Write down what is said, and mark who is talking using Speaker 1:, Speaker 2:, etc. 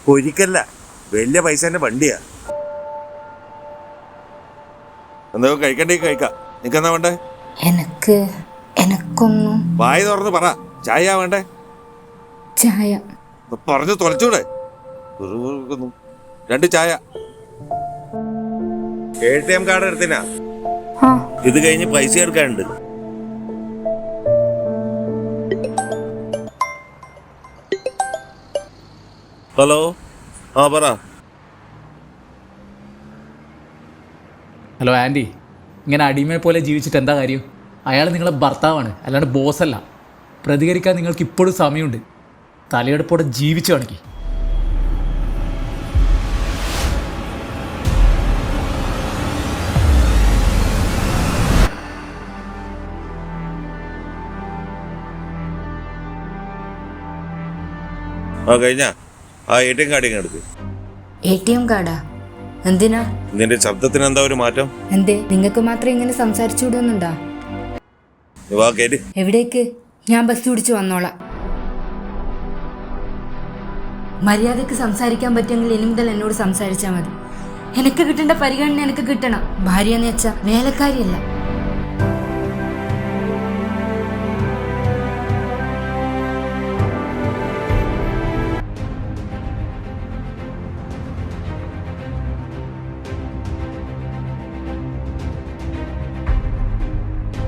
Speaker 1: ഒരിക്കല്ല, വലിയ പൈസേന്റെ വണ്ടിയാ. എന്താ കഴിക്കണ്ടേ കഴിക്കാം. നിനക്കെന്നാ വേണ്ടേ?
Speaker 2: എനക്കൊന്നും.
Speaker 1: വായ തുറന്ന് പറ. ചായ വേണ്ടേ?
Speaker 2: ചായ.
Speaker 1: പറഞ്ഞു തുലച്ചൂടെ? 2 ചായ. ATM കാർഡ് എടുത്തിനാ? ഇത് കഴിഞ്ഞ് പൈസ എടുക്കാനുണ്ട്. ഹലോ, പറ.
Speaker 3: ഹലോ ആൻറ്റി, ഇങ്ങനെ അടിമയെ പോലെ ജീവിച്ചിട്ട് എന്താ കാര്യം? അയാൾ നിങ്ങളെ ഭർത്താവാണ്, അല്ലാണ്ട് ബോസല്ല. പ്രതികരിക്കാൻ നിങ്ങൾക്ക് ഇപ്പോഴും സമയമുണ്ട്. തലയെടുപ്പോടെ ജീവിച്ചു കാണിക്ക്.
Speaker 1: കഴിഞ്ഞ ATM കാർഡ് ഇങ്ങനെ എടുക്ക്.
Speaker 2: ATM കാർഡാ? എന്തിനാ?
Speaker 1: നിന്റെ ശബ്ദത്തിന് എന്താ ഒരു മാറ്റം?
Speaker 2: എന്തേ, നിങ്ങൾക്ക് മാത്രം ഇങ്ങനെ സംസാരിച്ചുവിടുന്നുണ്ടാ? എവിടേക്ക്? ഞാൻ ബസ് പിടിച്ച് വന്നോളാം. മര്യാദക്ക് സംസാരിക്കാൻ പറ്റുമെങ്കിൽ ഇനി മുതൽ എന്നോട് സംസാരിച്ചാൽ മതി. എനിക്ക് കിട്ടേണ്ട പരിഗണന എനിക്ക് കിട്ടണം. ഭാര്യ എന്ന് വെച്ചാൽ വേലക്കാരിയല്ല.